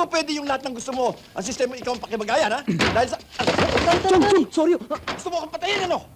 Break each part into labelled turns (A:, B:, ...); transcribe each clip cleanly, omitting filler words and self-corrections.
A: po pwede yung lahat ng gusto mo. Ang sistema ikaw ang pakibagayan, ha? Dahil sa...
B: Chong, sorry.
A: Gusto mo akong patayin, ano?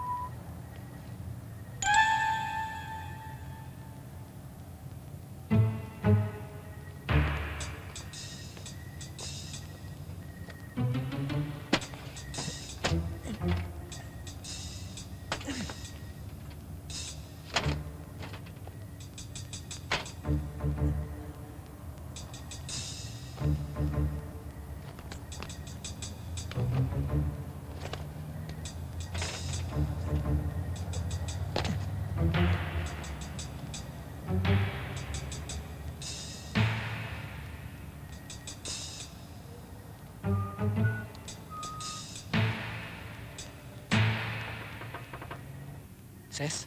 B: Ses?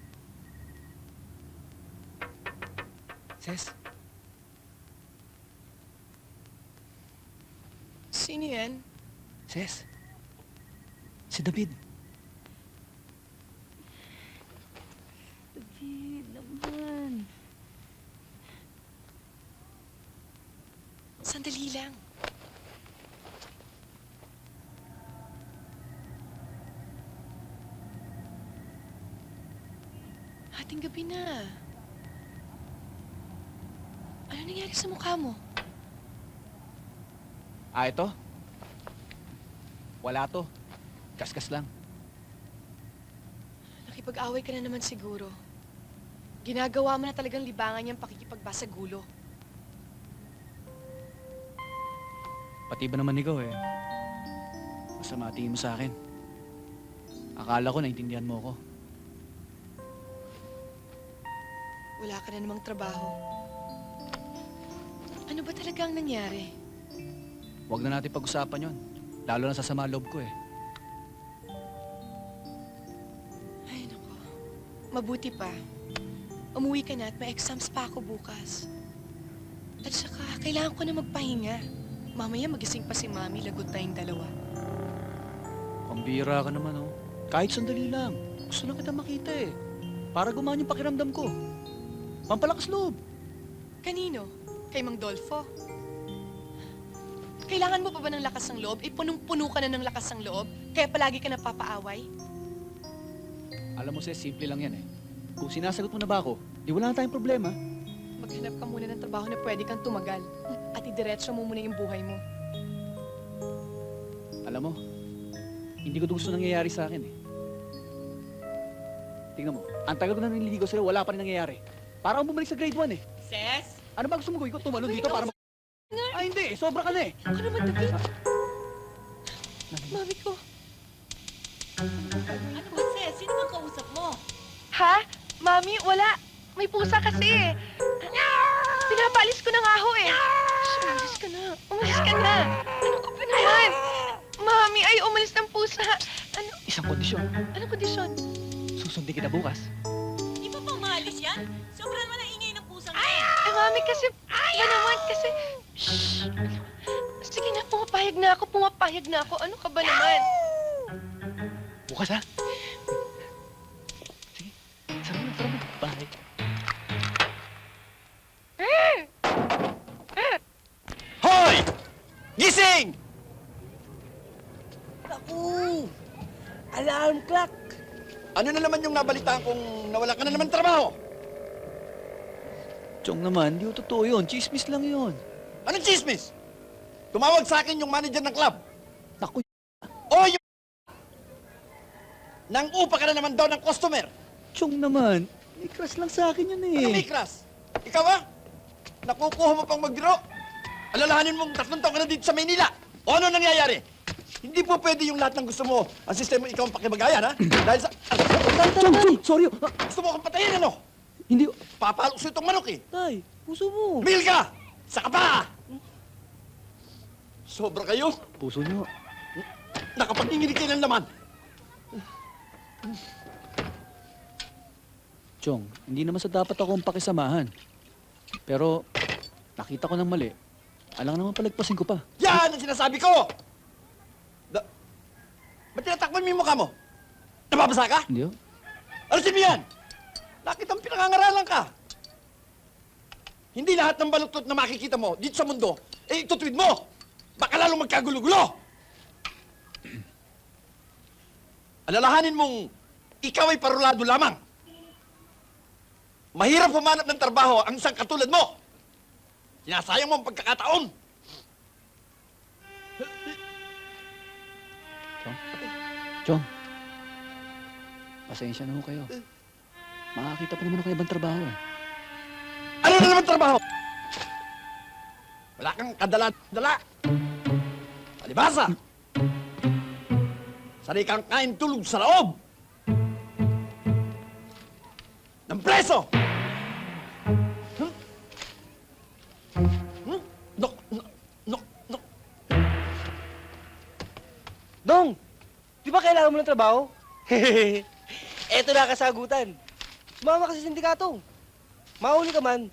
B: Ses?
C: Sino yan?
B: Ses? Si David.
C: David naman. Sandali lang. Hating gabi na. Ano nangyari sa mukha mo?
B: Ito? Wala to. Kaskas lang.
C: Nakipag-away ka na naman siguro. Ginagawa mo na talagang libangan niyang pakikipagbasa gulo.
B: Pati ba naman ikaw eh? Masama tingin mo sa akin. Akala ko naintindihan mo ako.
C: Wala ka na namang trabaho. Ano ba talaga ang nangyari?
B: Huwag na natin pag-usapan yon. Lalo na sa sama loob ko eh.
C: Ay, nako. Mabuti pa. Umuwi ka na at may exams pa ako bukas. At saka, kailangan ko na magpahinga. Mamaya magising pa si Mami, lagot tayong dalawa.
B: Pambira ka naman oh. Kahit sandali lang. Gusto lang kita makita eh. Para gumaan yung pakiramdam ko. Pampalakas loob.
C: Kanino? Kay Mang Dolfo? Kailangan mo pa ba ng lakas ng loob? Punong-puno ka na ng lakas ng loob? Kaya palagi ka napapaaway?
B: Alam mo, Ses, simple lang yan eh. Kung sinasagot mo na ba ako, di wala na tayong problema.
C: Maghanap ka muna ng trabaho na pwede kang tumagal. At idiretso mo muna yung buhay mo.
B: Alam mo, hindi ko gusto nangyayari sa akin eh. Tingnan mo, ang tagal ko na nililigaw sila, wala pa rin nangyayari. Para akong bumalik sa grade 1 eh.
C: Ses?
B: Ano ba gusto mo gawin ko? Tumalon
C: Uy,
B: dito para
C: no,
B: Ay hindi, sobra ka na eh.
C: Ako naman, David. Mami ko.
D: Ano ba, Ses? Sino bang kausap mo?
C: Ha? Mami, wala. May pusa kasi eh. Pinapalis ko na nga ho eh. Shh, umalis ka na. Umalis ka na. Ano ka ba naman? Mami, ay umalis ng pusa. Ano?
B: Isang kondisyon,
C: Anong kondisyon?
B: susundin kita bukas.
D: Di ba pang maalis yan? Sobrang naman ang ingay ng pusang yan.
C: Eh, Mami, kasi... Ba naman, kasi... Shh! Sige na, pumapayag na ako. Pumapayag na ako. Ano ka ba naman?
B: Bukas ha? Sige, sarap na. Bye.
A: Hoy! Gising!
E: Naku! Alarm clock!
A: Ano na naman yung nabalitaan kung nawala ka na naman trabaho?
B: Chong naman, di ko totoo yun. Chismis lang yun.
A: Anong chismis? Tumawag sa akin yung manager ng club.
B: Naku,
A: O yung... Nang upa ka na naman daw ng customer.
B: Chong naman. May crush lang sa akin yun
A: Ano may
B: eh.
A: class? Ikaw ba? Nakukuha mo pang magbiro? Alalahanin mong 3 taon ka na dito sa Maynila. O ano nangyayari? Hindi po pwede yung lahat ng gusto mo. Ang sistema ikaw ang pakibagayan, ha? Dahil sa...
B: Chong, sorry.
A: Gusto mo akong patayin, ano?
B: Hindi.
A: Papalok sa itong manok, eh.
B: Tay, puso mo.
A: Mil ka! Sa kapa! Sobra kayo.
B: Puso niyo.
A: Nakapag-inginig kayo ng laman.
B: Chong, hindi naman sa dapat akong pakisamahan. Pero, nakita ko ng mali. Alang naman palagpasin ko pa.
A: Yan ang sinasabi ko! Ba't tinatakpan mo yung mukha mo? Nababasa ka?
B: Hindi oh.
A: Alisin mo yan! Nakitang pinangangaralan ka. Hindi lahat ng baluktot na makikita mo dito sa mundo, eh itutuwid mo! Baka lalong magkagulo-gulo! Alalahanin mong ikaw ay parulado lamang. Mahirap humanap ng trabaho ang isang katulad mo. Sinasayang mo ang pagkakataon.
B: Chong, pasensya na ho kayo. Makakita pa naman ako ng ibang trabaho eh.
A: Ano na naman trabaho? Wala kang kadala-dala. Palibasa. Sari kang kain tulog sa loob. Ng preso. Hmm? Hmm? No.
E: Dong, di ba kailangan mo ng trabaho? Eto na kasagutan. Sumama ka sa sindikato. Mahuli ka man.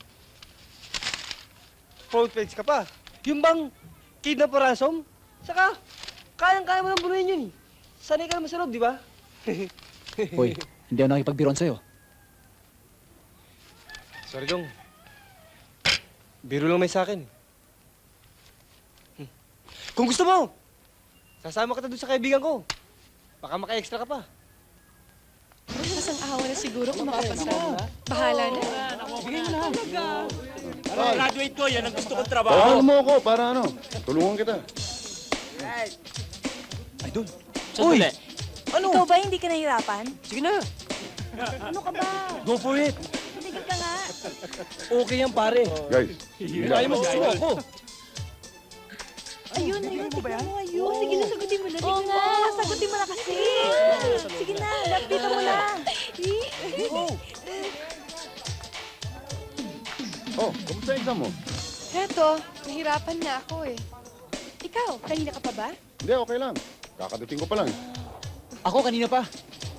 E: Front page ka pa. Yung bang kidnap o ransom? Saka, kayang-kaya mo nang bunuhin yun eh. Sanay ka naman sa loob, di ba?
B: Hoy, hindi ako nakipagbiron sa'yo.
E: Sorry, Dong. Biro lang may sa akin. Kung gusto mo, sasama kita doon sa kaibigan ko. Baka maka-extra ka pa.
C: Mas ang awa na siguro kung makapasa. Bahala na.
F: Graduate ko, yan ang gusto kong trabaho.
G: Tawagan mo ako para ano, tulungan kita.
F: Sandali.
E: Ano?
D: Ikaw ba hindi ka nahirapan?
E: Sige na.
D: Ano ka ba?
E: Go for it.
D: Tumigil ka nga.
E: Okay yan, pare.
G: Guys,
E: Kaya mo gusto mo ako.
D: Ayun, tignan mo, ayun. Oh, sige na, sagutin mo na. Oo nga, sagutin mo na kasi. Sige na, lapitan mo na.
G: oh, kamusta yung exam mo?
C: Heto, nahirapan na ako eh. Ikaw, kanina ka pa ba?
G: Hindi, okay lang. Kakadating ko pa lang.
B: Ako kanina pa.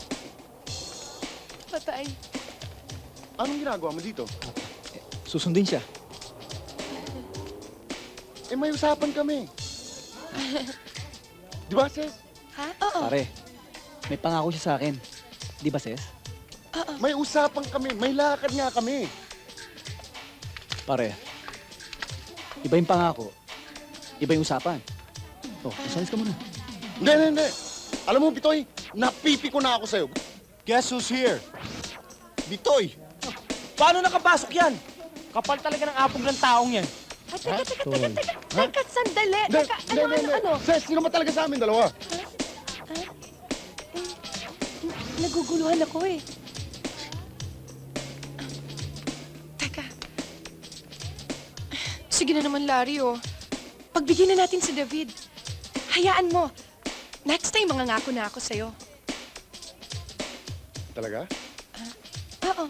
C: Patay.
G: Anong ginagawa mo dito?
B: Susundin siya.
G: Eh, may usapan kami. Di ba, Ses?
C: Ha? Oo.
B: Pare, may pangako siya sa akin. Di ba, Ses?
G: May usapan kami. May lakad nga kami.
B: Pare, iba yung pangako. Iba yung usapan. Oh, usalis ka muna.
G: Hindi. Alam mo, Bitoy, napipi ko na ako sa'yo.
A: Guess who's here? Bitoy.
E: Paano nakapasok yan? Kapal talaga ng apog ng taong yan.
C: Ay, teka, sandali.
G: Hindi,
C: Teka,
G: hindi.
C: ano?
G: Ses, sino ba talaga sa amin dalawa?
C: Naguguluhan ako eh. Teka. Sige na naman, Larry, oh. Pagbigyan na natin si David. Hayaan mo. Next time, mangangako na ako sa'yo.
G: Talaga?
C: Oo.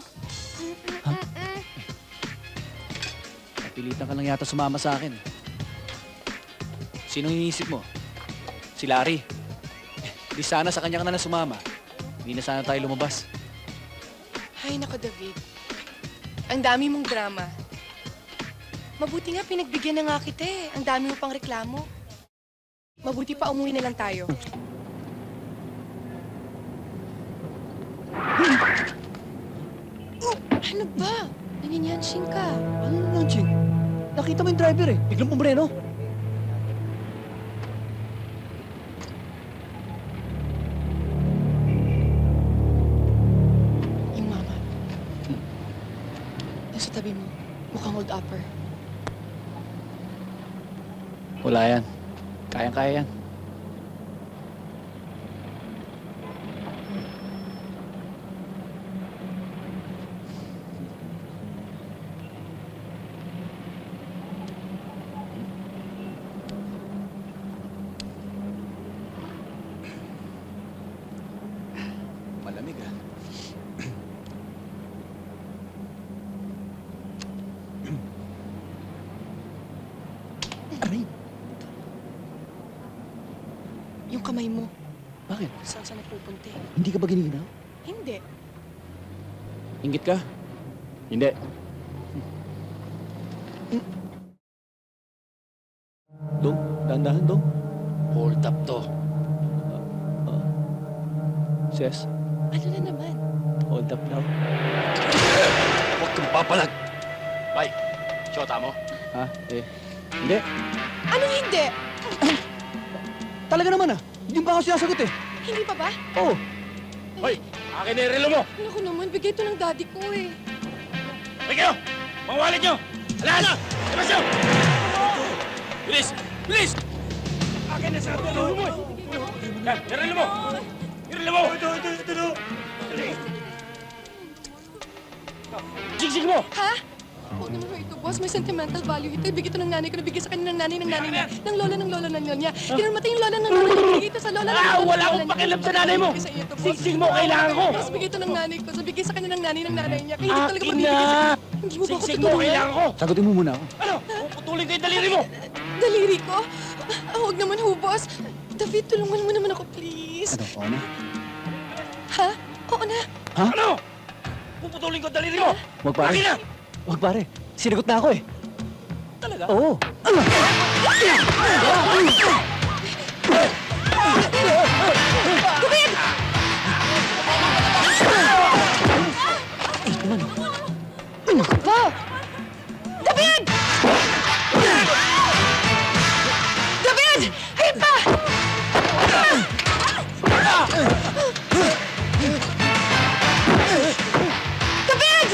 B: Napilitan ka lang yata sumama sa akin. Sinong iniisip mo? Si Larry. Di sana sa kanya ka na lang sumama. Hindi na sana tayo lumabas.
C: Hay nako, David. Ang dami mong drama. Mabuti nga pinagbigyan na nga kita eh. Ang dami mo pang reklamo. Mabuti pa umuwi na lang tayo. Ano ba? Nanyanyansing ka.
B: Ano na lang, Ching? Nakita mo yung driver eh. Biglang pumreno.
C: Yung mama. Yung sa tabi mo, mukhang old upper.
B: Wala yan. Kayang-kaya yan. Malamig ah. Aray!
C: Yung kamay mo,
B: Bakit?
C: saan saan nagpupunti?
B: Hindi ka ba giniginaw?
C: Hindi.
B: Ingit ka? Hindi. Dong, dahan-dahan, Dong.
E: Hold up to.
B: Ses,
C: Ano na naman?
B: hold up now.
A: Huwag kang papalag. Bye.
F: Shota mo?
B: Ha? Hindi.
C: Anong hindi?
B: Talaga naman Hindi pa ako sinasagot
C: Hindi pa ba?
B: Oo.
F: Hoy! Akin na yung relo mo!
C: Naku naman, bigay ito ng daddy ko eh.
F: Hoy kayo! Mga wallet nyo! Alaan na! Labas nyo! Bilis! Bilis! Akin na sa relo mo! Yan! Yung relo mo! Yung relo mo! Ito! Sigsig mo!
C: Ha? Huwag naman ho ito, boss. May sentimental value ito. Ibigay ito ng nanay ko. Nabigay sa kanya ng nanay niya. Ng lola ng lola niya. Kinurmatay yung lola ng lola niya. Ibigay ito sa lola ng lola ng
F: Wala
C: lola
F: akong
C: niya.
F: pakialam sa nanay mo!
C: Ibigay sa iyo ito, boss.
F: Sigsig mo! Kailangan ko!
C: Boss, bigay ito ng nanay ko. So, bigay sa kanya ng nanay niya. Kaya hindi ko talaga
F: Akin
C: mabibigay sa
F: na!
C: Hindi mo ba ako
F: Sigsig mo!
C: tutulungan?
F: Kailangan ko!
B: Sagutin mo muna ako.
F: Ano? Puputulin ko yung daliri mo!
C: Daliri ko? Huwag naman ho, boss. David, tulungan mo naman ako, please.
B: Ano? Oo na?
C: Ha? Oo na.
F: Ano? Puputulin ko yung daliri mo!
B: Wag pare.
F: Akin na!
B: Wag pare. Sinagot na ako
F: Talaga?
B: Oo.
C: Ba? David! David! Hey pa! David!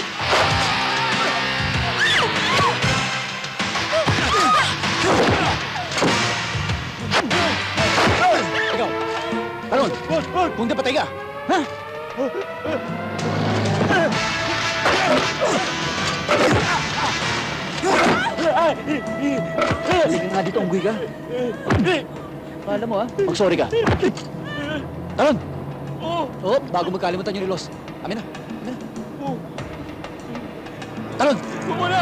B: Ikaw. Talon. Kung di patay ka. Ha? Hindi ka nga dito, unggoy ka. Alam mo mag-sorry ka. Talon! Oo, bago magkalimutan yung relos. Amin na. Talon!
F: Wala!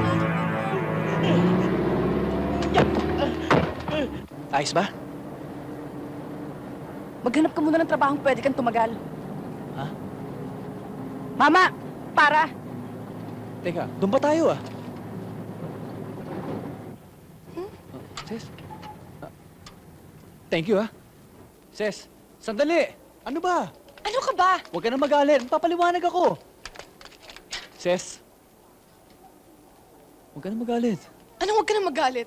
B: Ayos ba?
D: Maghanap ka muna ng trabahong pwede kang tumagal.
B: Ha?
D: Mama! Para!
B: Teka, doon pa tayo Ses? Thank you Ses, sandali! Ano ba?
C: Ano ka ba?
B: Huwag ka na magalit. Papaliwanag ako. Ses? Huwag ka na magalit.
C: Anong huwag ka na magalit?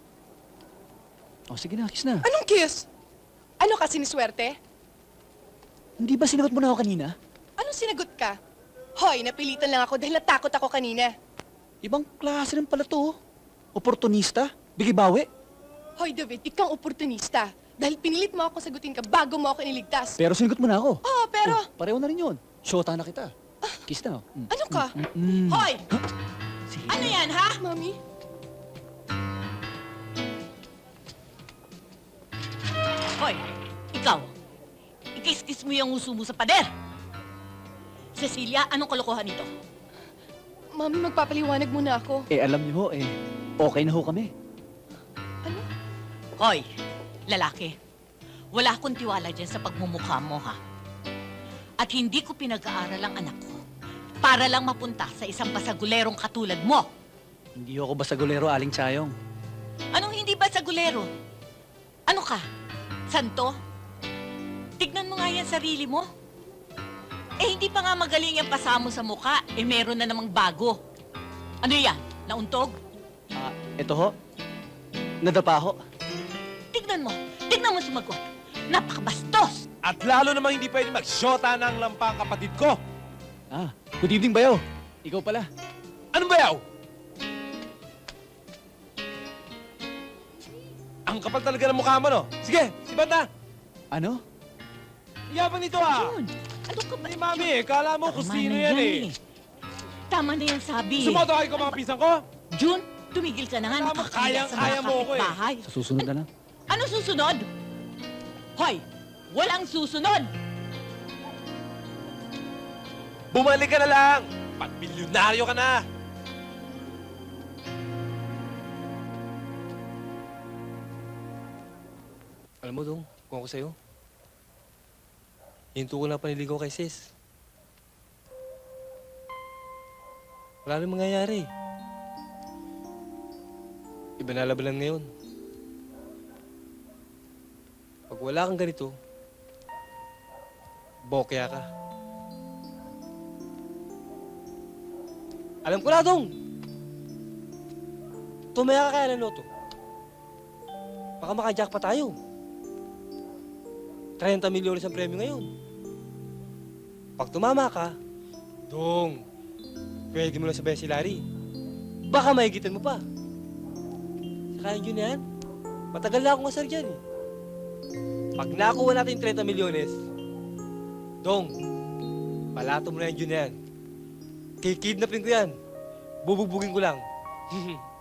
B: O, sige na, kiss na.
C: Anong kiss? Ano ka, siniswerte?
B: Hindi ba sinagot mo na ako kanina?
C: Anong sinagot ka? Hoy, napilitan lang ako dahil natakot ako kanina.
B: Ibang klase rin pala to. Oportunista? Bigibawi?
C: Hoy, David, ikaw oportunista. Dahil pinilit mo ako sagutin ka bago mo ako iniligtas.
B: Pero sinagot mo na ako.
C: Oo, pero...
B: Oh, pareho na rin yun. Shota na kita. Kiss na.
C: Ano ka?
H: Hoy!
B: Sige.
H: Ano yan, ha?
C: Mami?
H: Hoy, ikaw. Ikis-kis mo yung uso mo sa pader. Cecilia, anong kalokohan nito?
C: Mami, magpapaliwanag muna ako.
B: Alam niyo ho, okay na ho kami.
C: Ano?
H: Hoy, lalaki. Wala akong tiwala dyan sa pagmumukha mo, ha? At hindi ko pinag-aaral ang anak ko para lang mapunta sa isang basagulerong katulad mo.
B: Hindi ako basagulero, Aling Chayong.
H: Anong hindi basagulero? Ano ka? Santo? Tignan mo nga yan sarili mo. Hindi pa nga magaling yung pasamo sa mukha, meron na namang bago. Ano yan? Nauntog?
B: Ito ho. Nadapa ho.
H: Tignan mo sumagot. Napakabastos!
F: At lalo namang hindi pwede magsyota ng lampang kapatid ko.
B: Good evening, Bayaw. Ikaw pala.
F: Anong bayaw? Ang kapal talaga ng mukha mo, no? Sige, sibat na!
B: Ano?
F: Iyabang nito, ha?
H: Jun, ano ka ba?
F: Hey, mami, kala mo kung
H: Tama
F: sino
H: na
F: yan, eh.
H: Tama na yan, sabi.
F: Sumoto kayo ko mga pisang ko?
H: Jun, tumigil ka na nga.
F: Alam mo,
H: Nakakahiya sa
F: kaya
H: mga
F: mo ako, eh.
H: kapitbahay.
B: Sa susunod na lang.
H: Ano susunod? Hoy, walang susunod!
F: Bumalik ka na lang! Pag-milyonaryo ka na!
E: Alam mo, Dong, kung ako sa'yo, hinto ko na paniligaw kay sis. Wala rin mangyayari. Iba na labanan ngayon. Pag wala kang ganito, bokya ka. Alam ko na, Dong! tumaya ka kaya ng loto, baka makajack pa tayo. 30 milyones ang premyo ngayon. Pag tumama ka, Dong, pwede mo na sabayan si Larry. Baka mahigitan mo pa. Saka yun yan, matagal na akong asar dyan eh. Pag nakuha natin yung 30 milyones, Dong, palato mo na yan yun yan. Kikidnapin ko yan. Bubugbugin ko lang.